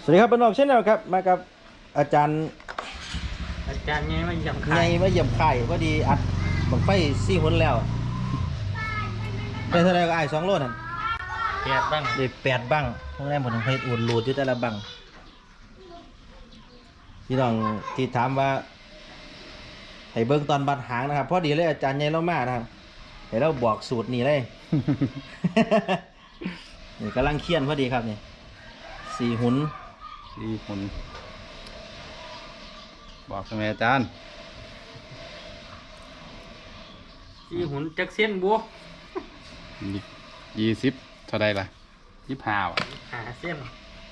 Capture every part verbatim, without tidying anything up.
สวัสดีครับเป็นออกเช่นเดียวครับมากับอาจารย์อาจารย์ไงมาเยี่ยมไงไข่มาเยี่ยมไข่พอดีอัดบังไฟซี่หุ่นแล้วได้เท่าไรก็ไอ้สองโลนั่นแปดบ้างได้แปดบังพวกแรกผมต้องให้อุ่นรูดอยู่แต่ละบังพี่น้องที่ถามว่าให้เบิ้งตอนบัดหางนะครับพอดีเลยอาจารย์ใหญ่เล่ามานะครับให้เราบอกสูตรนี่เลย นี่กำลังเคี่ยนพอดีครับนี่สี่หุ่นสี่หุ่นบอกทำไมอาจารย์สี่หุ่นจักเส้นบัวยี่สิบเท่าไรล่ะยี่สิบห้าอ่ะหาเส้น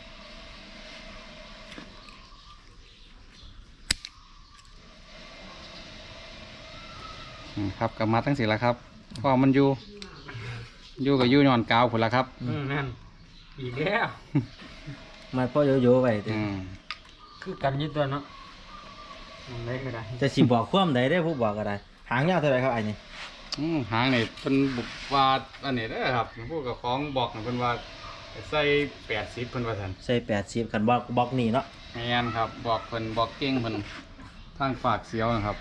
ครับกับมาตั้งสิละครับก็มันอยู่อยู่กับยู่นอนกาวผุนละครับอืมนั่นอีกแล้วมาพ่อโยโย่ไปคือกันยึดตัวเนาะมันได้ก็ได้จะสิบอกความใดได้ผู้บอกก็ได้หางยาวเท่าไรครับไอ้นี่หางนี่เป็นบุกวาดอันนี้ได้ครับพวกกับของบอกเป็นว่าใส่แปดสิบเพิ่นว่าท่านใส่แปดสิบกันบอกบอกนี่เนาะแมนครับบอกเพิ่นบอกเก่งเพิ่นทางฝากเสียวนะครับ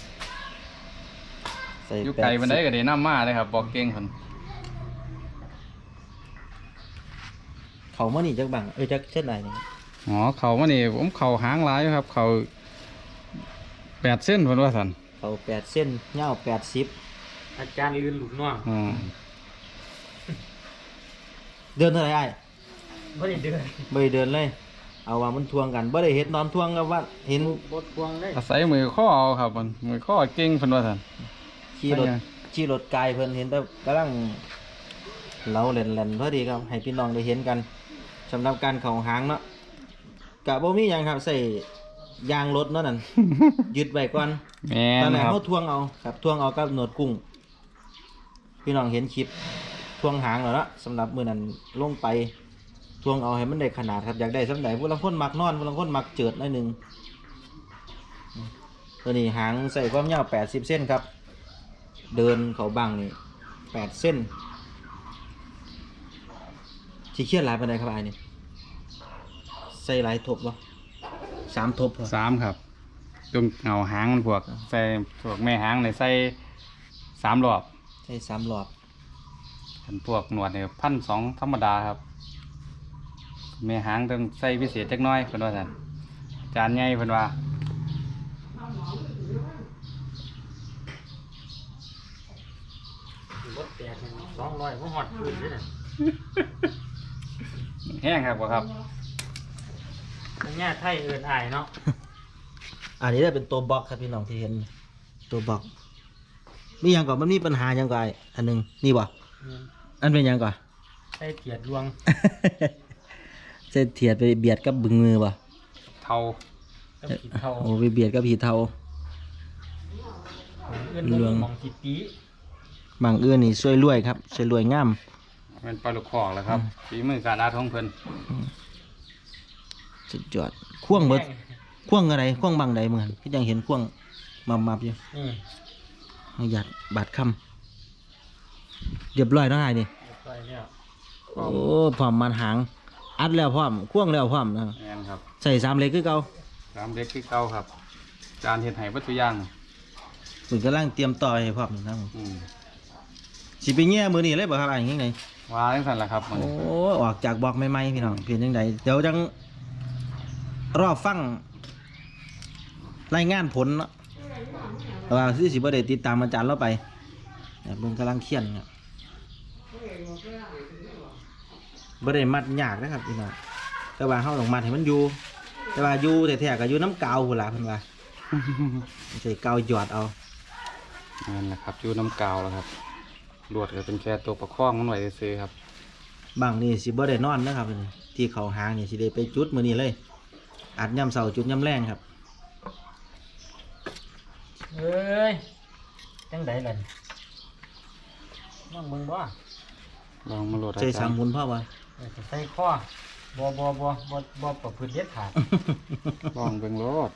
ยุคไก่มันได้ก็ได้น้ำมาเลยครับบอกเก่งเพิ่นเขาเมื่อนี่จักบังเออจักเช่นไรนี่อ๋อเขาเมื่อนี่ผมเขาหางร้ายครับเขาแปดเส้นเพิ่นว่าท่านเขาแปดเส้นยาวแปดสิบอาจารย์ลื่นหลุมน้องเดินเท่าไรไอ้ไม่ได้เดินไม่ได้เดินเลยเอาว่ามันทวงกันไม่ได้เห็นนอนทวงกับว่าเห็นบดทวงเลยอาศัยมือข้อเอาครับมันมือข้อเก่งเพิ่นว่าท่านขี่รถขี่รถไกลเพิ่นเห็นแต่กำลังเราเล่นเล่นพอดีครับให้พี่น้องได้เห็นกันสำหรับการเข่าหางเนาะกะบ่มีอย่างครับใส่ยางรถเนาะนั่นยึดไว้ก่อนตอนแรกเขาทวงเอาครับทวงเอากับหนวดกุ้งพี่น้องเห็นคลิปทวงหางแล้วเนาะสำหรับมือนั้นลงไปทวงเอาให้มันได้ขนาดครับอยากได้สำหรับผู้ลังคนมักนอนผู้ลังคนมักเจิดหน่อยหนึ่งตัวนี้หางใส่ความยาวแปดสิบเส้นครับเดินเขาบังนี่แปดเส้นที่เขียนลายเป็นไรครับไอ้นี่ใส่ลายทบหรอสามทบสามครับตรงเงาหางมันพวกใส่พวกแม่หางเลยใส่สามรอบใส่สามรอบเป็นพวกหนวดเนี่ยพันสองธรรมดาครับแม่หางต้องใส่พิเศษเล็กน้อยเพิ่นว่าท่านจานใหญ่เพิ่นว่าบดแปดสองร้อยมันหอดขึ้นด้วยนะแห้งครับบ่ครับอันนี้ไทยเอินอายเนาะอันนี้ได้เป็นตัวบล็อกครับพี่น้องที่เห็นตัวบล็อกมีอย่างก่อนมันมีปัญหาอย่างก่อนอันหนึ่งนี่บ่อันเป็นอย่างก่อนใส่เทียดรวงใส่เทียดไปเบียดกับบึงมือบ่เทาโอ้ไปเบียดกับผีเทาเรื่องมองจิตปีบางเอื้อนี่ช่วยรวยครับช่วยรวยงามเป็นปลาลูกคอกแล้วครับฝีมือการอาท้องเพิ่นสุดยอดข่วงเบิดข่วงอะไรข่วงบางใดเหมือนที่ยังเห็นข่วงมามาอยู่นี่หยัดบาดคำเรียบร้อยแล้วไงนี่โอ้พร้อมมันหางอัดแล้วพร้อมข่วงแล้วพร้อมนะครับใส่สามเล็กคือเก่าสามเล็กคือเก่าครับจานเห็ดไห่วัตถุย่างฝึกกำลังเตรียมต่อให้พร้อมนะสิไปแง่มือนี่เลยบ่ครับอะไรยังไงว่าจังสั่นแหละครับโอ้ออกจากบอกใหม่ๆพี่น้องเพียงยังไงเดี๋ยวจังรอบฟังรายงานผลเนาะว่าสิสิบ่ได้ติดตามอาจารย์เราไปเนี่ยเบิ่งกำลังเขียนครับบ่ได้มัดยากนะครับพี่น้องแต่ว่าเฮาต้องมัดให้มันอยู่แต่ว่าอยู่แท้ๆก็อยู่น้ำกาวพุ่นล่ะเพิ่นว่าใส่กาวหยอดเอานั่นแหละครับอยู่น้ำกาวแล้วครับลวดก็เป็นแค่ตัวประคองมันไว้ซื้อครับบางนี่สิบ่ได้นอนนะครับที่เขาหางนี่สิได้ไปจุดมื้อนี้เลยอัดย่ำเสาจุดย่ำแรงครับเอ้ยจังไดล่ะลองมึงบ่ลองมาโหลดใส่สามหุ่นพ่อวะใส่ข้อบ่บ่บ่บ่บ่ประพฤติเด็ดขาดลองเบิ่งโหลด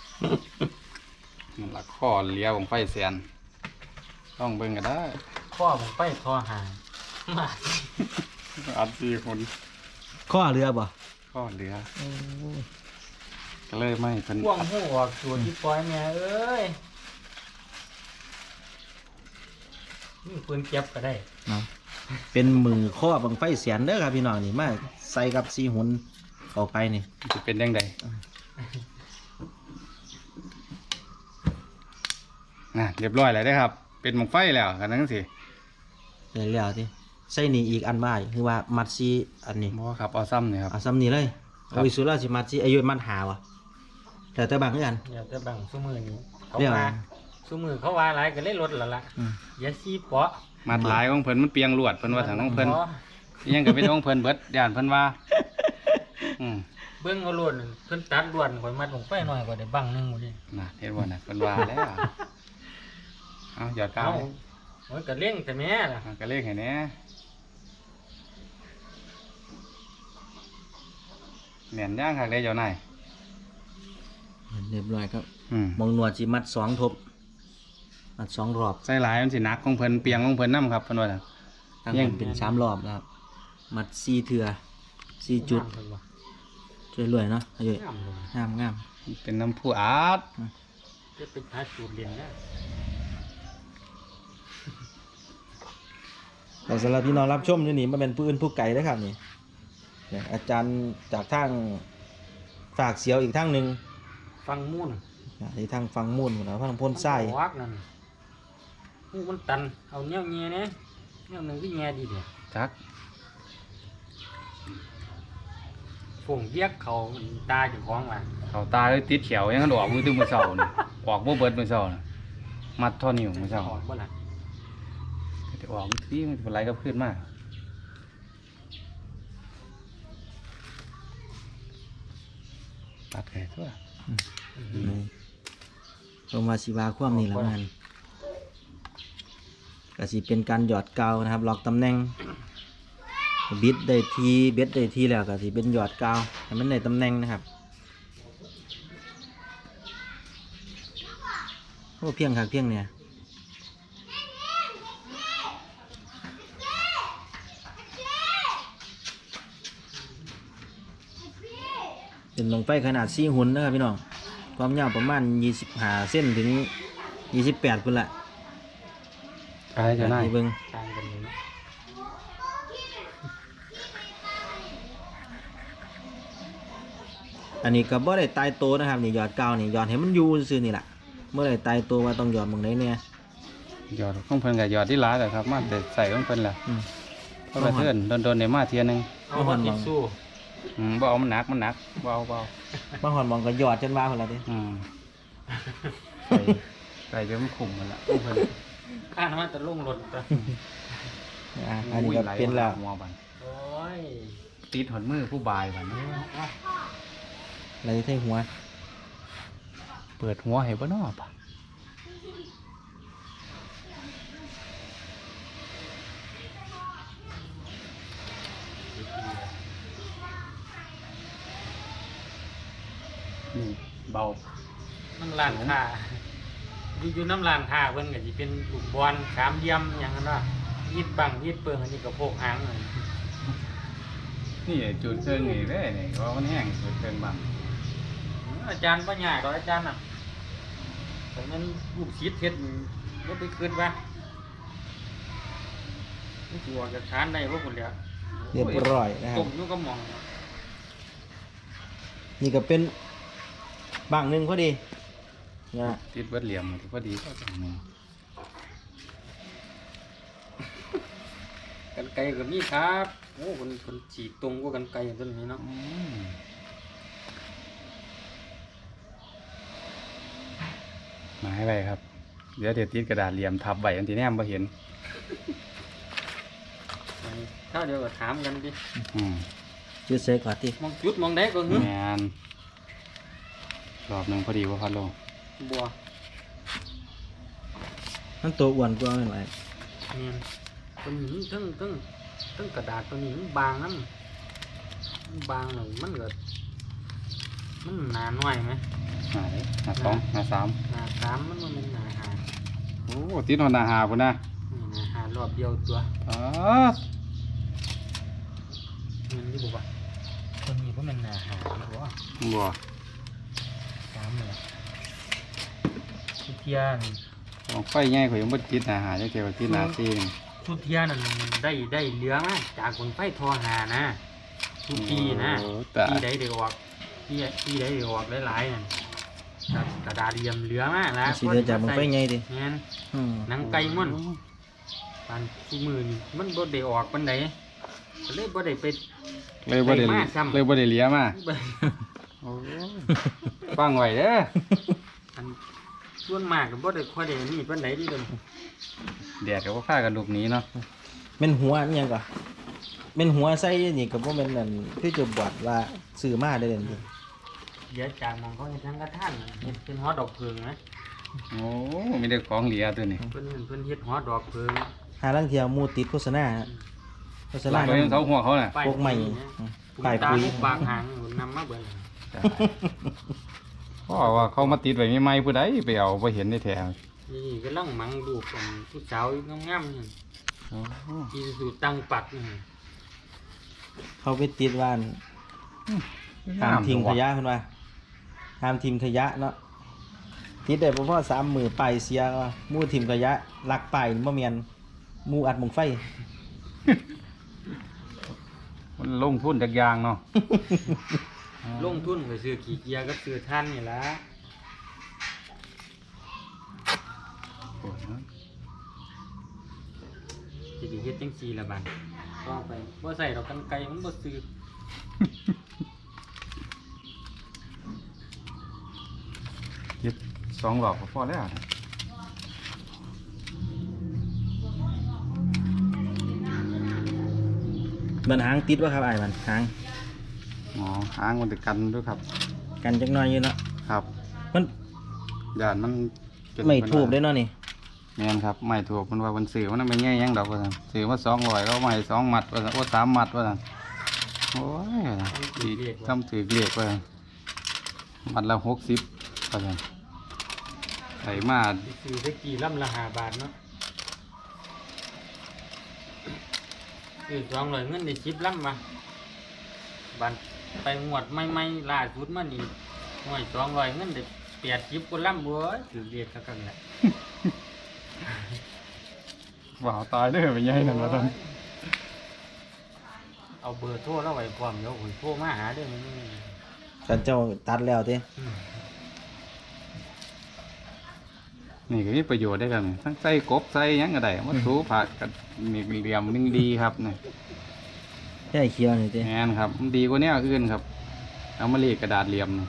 มันละข้อเลี้ยวของไฟแสนต้องเบิ่งก็ได้ข้อผมไปคอหางมาอัดสี่คนข้อเรือบ่ก็เหลือโอ้ยก็เลยไม่เพิ่นพ่วงหูออกตัวที่ปล่อยแม่เอ้ยนี่ปืนเก็บก็ได้เนาะเป็นมือข้อบังไฟเสียนเด้อครับพี่น้องนี่มาใส่กับซีหุนเข้าไปนี่จะเป็นยังไงน่ะเรียบร้อยแล้วได้อครับ เป็นหมกไฟแล้วกันนั่งสิเดี๋ยวแล้วที่ใส่นี่อีกอันบ่ายคือว่ามัดซีอันนี้บ่ครับเอาซ้ำนี่ครับเอาซ้ำนี่เลยครับเอาวิสุราสิมัดซีอายุมัดหาวะแต่แต่บางคือกันเดี๋ยวจะบังซุ้มือนี้เขาเรียกว่าว่าซุ้มือเขาว่าอะไรก็เลยลดและละอืมอย่าซีเปาะมัดหลายของเพิ่นมันเปียงลวดเพิ่นว่าทางของเพิ่นพออิหยังก็เป็นของเพิ่นเบิดย่านเพิ่นว่าอืมเบิ้งเอาล้วนเพิ่นตัดล้วนข่อยมัดลงไปหน่อยก็ได้บังหนึงหมดนี่น่ะเห็นบ่น่ะเพิ่นว่าแล้วเอาหยอดกาเอาวโอ้ยก็เล่งแต่แม่ล่ะเอาก็เลขให้แหน่แม่นย่างคักเด้เจ้านายเรียบร้อยครับอืมมองหนวดสิมัดสองทบมัดสองรอบใส่หลายมันสิหนักของเพิ่นเปียงของเพิ่นนํครับเพิ่นว่าน่ะทั้งยังเป็นสามรอบนะครับ มัดสี่เถื่อสี่จุดงามเลยว่ะช่วยรวยเนาะอายุงามเลยงามงามเป็นน้ำผู้อาดจะไปหาสูตรเรียนนะแต่สำหรับพี่น้องรับชมอยู่นี่มันเป็นผู้อื่นผู้ไก่นะครับนี่เนี่ยอาจารย์จากทางฝากเสียวอีกทางหนึ่งฟังมุ่นที่ทางฟังมุ่นนะทางพ่นไส้วักนั่นหูมันตันเอาเนี้ยเงี้ยเนี่ยเนี้ยหนึ่งที่เงี้ยดีเดียวจักฝงเรียกเขาตาอยู่ของว่ะเขาตาเลยติดเขียวยังกันออกมือตึ้งมือเสานี่ออกบ่เบิดมือเสาน่ะมัดท่อนิ้วมือเสาออกบ่ล่ะจะออกที่มันเป็นไรก็ขึ้นมากตัดแค่ตัวลงมาสีวาคว่ำนี่แหละมันก็สิเป็นการหยอดกาวนะครับล็อกตำแหน่งบิดได้ทีเบ็ดได้ทีแล้วก็สิเป็นหยอดกาวให้มันได้ตำแหน่งนะครับโอ้เพียงครับเพียงเนี่ยเป็นลงไปขนาดสี่หุ่นนะครับพี่น้องความยาวประมาณยี่สิบห้าเส้นถึงยี่สิบแปดพุ่นละอะไรจะได้ที่เบิ่งต่างกันอยู่เนาะอันนี้ก็บ่ได้ตายโตวนะครับนี่หยอดกาวนี่หยอดให้มันอยู่ซื่อๆนี่แหละเมื่อไรตายตัวว่าต้องหยอดหมึงไหนเนี่ยหยอดของเพิ่นกับหยอดที่ร้านแต่ครับมาแต่ใส่ของเพิ่นแหละอืมเพราะว่าเพื่อนโดนๆเนี่ยมาเทียหนึงเอาหัวติดสู้อืมบ่เอามันหนักมันหนักบ่เอาบ่เอาบางหอนมองก็หยอดจนว่าคนละดิอืมใส่ใส่จนมันขุ่มมันละของเพิ่นข้าน้ำมันจะลุ่งหล่นตัวอ่ะอันนี้ก็เป็นแล้วหัวบันโอ้ยติดหดมือผู้บายบันอะไรที่ใส่หัวเปิดหัวให้บ่นอปะนี่เบามันลานค่าอยู่อยู่น้ำลานค่าเพิ่นก็สิเป็นลูกบอลสามเหลี่ยมอย่างนั้นว่ายิดบังยิดเปิงอันนี้ก็โพกหางเลยนี่จุดเครื่องนี่ได้นี่ว่ามันแห้งจุดเครื่องบ้างอาจารย์ปัญญาดอกอาจารย์น่ะแต่มันลูกศิษย์เฮ็ดก็ไปคืนว่ามันสิออกจากฐานได้บ่พุ่นแหล้วเรียบร้อยนะครัต้บมอยู่ก็มองนี่ก็เป็นบางหนึ่งพอดีนะติดเบิดเหลี่ยมพอดีก็ตรงนี้กันไกลก็มีครับโอ้คนคนฉีกตรงกว่ากันไกลอย่างต้นนี้เนาะอืมมาให้ไปครับ เดี๋ยวเดี๋ยวติดกระดาษเหลี่ยมทับไว้อันที่แนมบ่เห็นถ้าเดี๋ยวก็ถามกันดิอืมจุดเสกก่อนที่มองจุดมองได้ก็หึแมนรอบหนึ่งพอดีว่าพัดลงบัวมันตัวอ้วนกว่าไม่ไหวเนี่ยตัวนี้ทั้งทั้งทั้งกระดาษตัวนี้มันบางนั่นมันบางเลยมันก็มันหนาหน่อยไหมหาเลยหาสองหาสามหนาสามมันมันเป็นหนาหาโอ้ติดหนหนาหาพุ่นนะนี่หนาหารอบเดียวตัวอ๋อเงินที่บอกว่าตัวนี้ปะมันอาหารหรอบ่สามเลยสุเทียนของไฟใหญ่ข่อยยังบ่ติดหน้าหาจักเที่ยวติดหน้าซีนสุเทียนั่นได้ได้เหลือมาจากคนไฟทอหานะทุกปีนะโอ้ตาปีใดได้ออกปีปีใดได้ออกหลายๆนั่นครับกระดาษเหลี่ยมเหลือมาแล้วสิเหลือจากบังไฟใหญ่ดิงั้นอืมหนังไก่มันปานทุกมือนี่มันบ่ได้ออกปานใดก็เลยบ่ได้ไปเลยบ่ได้ได้มาซ้ำเลยบ่ได้เหลียมาโอ้ฟังไว้เด้ออันส่วนมากก็บ่ได้ค่อยได้นี่ปานใดดิเด้อแดดก็บ่พากันลุกหนีเนาะเป็นหัวอันหยังก่อนเป็นหัวใส่นี่ก็บ่แม่นนั่นคือจะบวชว่าซื้อมาได้เด่นดิเดี๋ยวจากหมองเขาเฮ็ดทางกระท่านเฮ็ดเป็นหอดอกเพิงนะโอ้มีแต่ของเหลียตัวนี้เพิ่นเพิ่นเฮ็ดหอดอกเพิงหาลังเที่ยวหมู่ติดโฆษณาโฆษณาลากไปเสาหัวเขาน่ะพวกใหม่ป้ายป้ายปุ๋ปุ๋ยยปากหางนำมาเบิ่งเพราะว่าเขามาติดไว้ใหม่ๆผู้ใดไปเอาบ่เห็นได้แท้นี่กำลังมังดูกกันผู้สาวงามๆนี่โอ้อีสุตั้งปักนี่เขาไปติดว่านห้ามทิ้งขยะเพิ่นว่าห้ามทิ้งขยะเนาะติดได้บ่พอสามมื้อไปเสียว่าหมู่ทิ้งขยะลักไปบ่แม่นหมู่อัดหมองไฟมันลงทุนจักอย่างเนาะลงทุนไปซื้อขี้เกียจกับซื้อท่านนี่ล่ะสิได้เฮ็ดจังซี่ล่ะบัดต่อไปบ่ใส่ดอกกันไกลมันบ่ซื้อเฮ็ดสองรอบก็พอแล้วนะมันหางติดว่าครับอ้ายมันหางอ๋อหางมันจะกันด้วยครับกันจักหน่อยอยู่เนาะครับมันย่านมันเป็นไม่ถูกได้เนาะนี่แม่นครับไม่ถูกมันว่ามันสื่อมันไม่แง่ยังดอกว่าซั่นสื่อว่าสองร้อยก็ไม่สองมัดว่าซั่นโอ้สามมัดว่าซั่นโอ้ยดีทำถือเรียกว่าซั่นมัดละหกสิบว่าซั่นไถมาซื้อได้กี่ลำละห้าบาทเนาะซื้อสองร้อยเงินได้สิบลำมาบันไปงวดใหม่ๆล่าสุดมานี่หน่วยสองร้อยเงินได้แปดสิบกว่าลำบ่ถือเรียกกันแหละว่าวตายเด้อเป็นไงนั่นว่าซั่นเอาเบอร์โทรแล้วไว้พร้อมเดี๋ยวผมโทรมาหาเด้อมันกันเจ้าตัดแล้วติอืมนี่ก็มีประโยชน์ได้ครับนี่ทั้งใส่กบใส่หยังก็ได้มาถูผักกับมีเหลี่ยมนึงดีครับนี่ใช่เขียวนี่ติแม่นครับมันดีกว่าแนวอื่นครับเอามาเรียกกระดาษเหลี่ยมนี่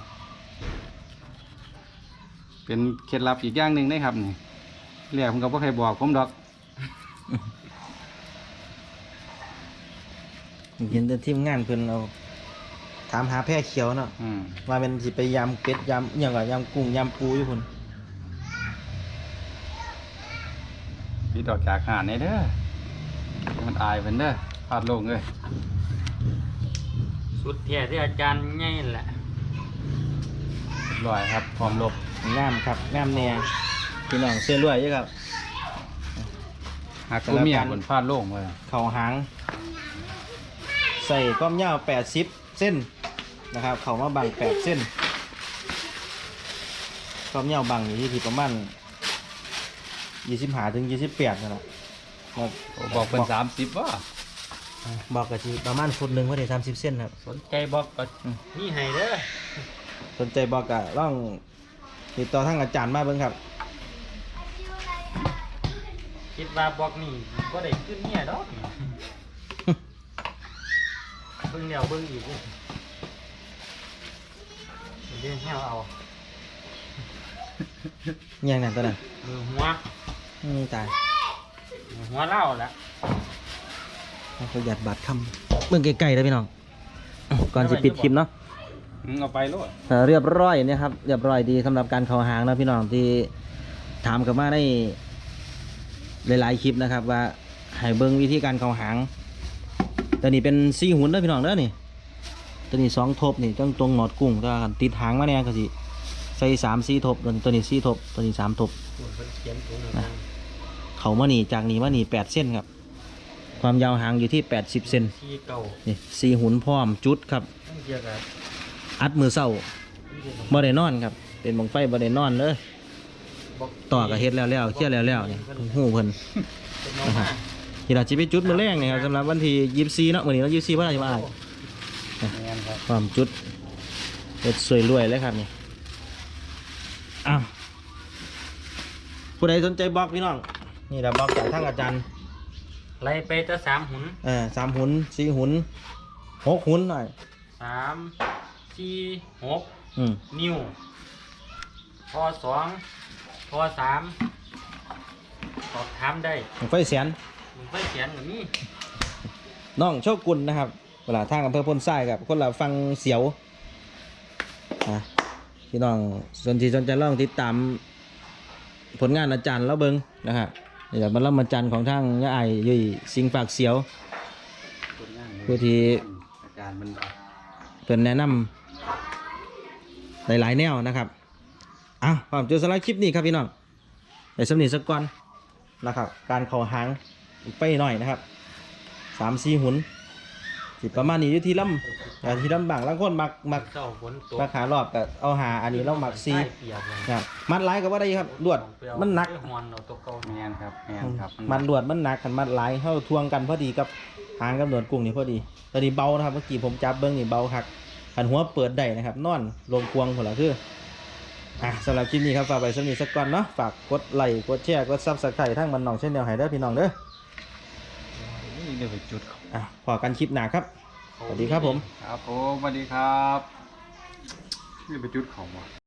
เป็นเคล็ดลับอีกอย่างหนึ่งได้ครับนี่เรียกผมก็บ่ใครบอกผมดอกเห็นแต่ทีมงานเพิ่นเอาถามหาแพร่เขียวเนาะอืมว่าเป็นสิไปยำเป็ดยำอหย่างก็ยำกุ้งยำปูอยู่พุ่นปิดออกจากหาดนี่เด้อมันอายเพิ่นเด้อพลาดโลงเลยสุดแท้ที่อาจารย์ง่ายแหละเรียบร้อยครับพร้อมลบงามครับงามแน่พี่น้องเสื้อรวยอยู่ครับหักตัวเมียบนพลาดโลงเลยเข่าหาง ใส่ก้อมยาวแปดสิบเส้นนะครับเข่ามาบังแปดเส้นก้อมยาวบังอยู่ที่ที่ประมาณยี่สิบห้าถึงยี่สิบแปดนั่นแหละครับบอกเป็นสามสิบว่าบอกกะทีประมาณฟุตหนึ่งว่าได้สามสิบเส้นครับสนใจบอกก็อืมนี่ให้เด้อสนใจบอกกะล่องติดต่อทางอาจารย์มาเบิ่งครับคิดว่าบอกนี่ก็ได้ขึ้นเนี่ยดอกนี่ เบิ่งเดียวเบิ่งอีกเลยเดี๋ยวให้เอายังนั่นตัวนั้นมือหัวอืมตายมือหัวเล่าละเอาประหยัดบาทคำเบิ่งไกลๆเลยพี่น้องอ่ะก่อนสิปิดคลิปเนาะมึงเอาไปโลดเอ่อเรียบร้อยเนี่ยครับเรียบร้อยดีสำหรับการเข้าหางนะพี่น้องที่ถามกันมาได้หลายๆคลิปนะครับ ว่าให้เบิ่งวิธีการเข้าหางตัวนี้เป็นสี่หุ่นเด้อพี่น้องเด้อนี่ตัวนี้สองทบนี่ต้องตรงหนอดกุ้งถ้าติดหางมาแน่ก็สิใส่สามสี่ทบตัวนี้ตัวนี้สี่ทบตัวนี้สามทบส่วนเพิ่นเขียนถุงหนึ่งนะ เขามานี่จากนี่มานี่แปดเส้นครับ ความยาวหางอยู่ที่แปดสิบเซนที่เก่านี่สี่หุ่นพร้อมจุดครับตั้งเกี่ยวกับอัดมือเศร้าบ่ได้นอนครับเป็นบังไฟบ่ได้นอนเลยต่อก็เฮ็ดแล้วแล้วเคลียร์แล้วแล้วนี่ฮู้เพิ่นเป็นน้องนะครัมาบที่เราสิไปจุดมื้อแรกนี่ครับสำหรับวันที่ยี่สิบสี่เนาะมื้อนี้เรายี่สิบสี่บ่ได้มาอ้ายแม่นครับความจุดเฮ็ดสวยรวยเลยครับนี่อ้าวผู้ใดสนใจบล็อกพี่น้องนี่ล่ะบล็อกจากทางอาจารย์ไล่ไปจะสามหุ่นเออสามหุ่นสี่หุ่นหกหุ่นหน่อยสามสี่หกอืมนิ้วพอสองพอสามสอบถามได้บั้งไฟแสนมึงไปเขียนกับนี่น้องโชกุลนะครับเวลาทางอำเภอพ้นทรายกับคนละฟังเสียวอ่ะพี่น้องสนใจสนใจลองติดตามผลงานอาจารย์แล้วเบิงนะครับนี่แหละบรรลัอาจารย์ของทางยาไอายยุยสิงฝากเสียวคนงานผู้ที่อาจารย์มันเพิ่นแนะนำหลายๆแนวนะครับอ้าวความเจอสไลด์คลิปนี้ครับพี่น้องเดี๋ยวสำนีสักก่อนนะครับ การเข่าหางไปหน่อยนะครับสามสี่หุ่นสิประมาณนี้อยู่ที่ลำแต่ที่ลำบางล่างคนมักมักเจ้าฝนตกมักหารอบแต่เอาหาอันนี้เรามักซีใต้เปียกเลยนะครับมัดไล่ก็ว่าได้ครับลวดมันหนักไปหอนเอาตัวเก่าแม่นครับแม่นครับมันลวดมันหนักขันมัดไล่เข้าทวงกันพอดีกับหางกับหนวดกุ้งนี่พอดีตอนนี้เบานะครับเมื่อกี้ผมจับเบิ้งนี่เบาคักขันหัวเปิดได้นะครับนอนลงควงหัวละคืออ่ะสำหรับคลิปนี้ครับฝากไปสำนีสักก่อนเนาะฝากกดไลค์กดแชร์กดซับสไครต์ทั้งมันน้องเช่นเดียวให้เด้อพี่น้องเด้อนี่เดี๋ยวไปจุดเขาอ่ะพอกันคลิปหน้าครับสวัสดีครับผมครับผมสวัสดีครับนี่ไปจุดเขาว่ะ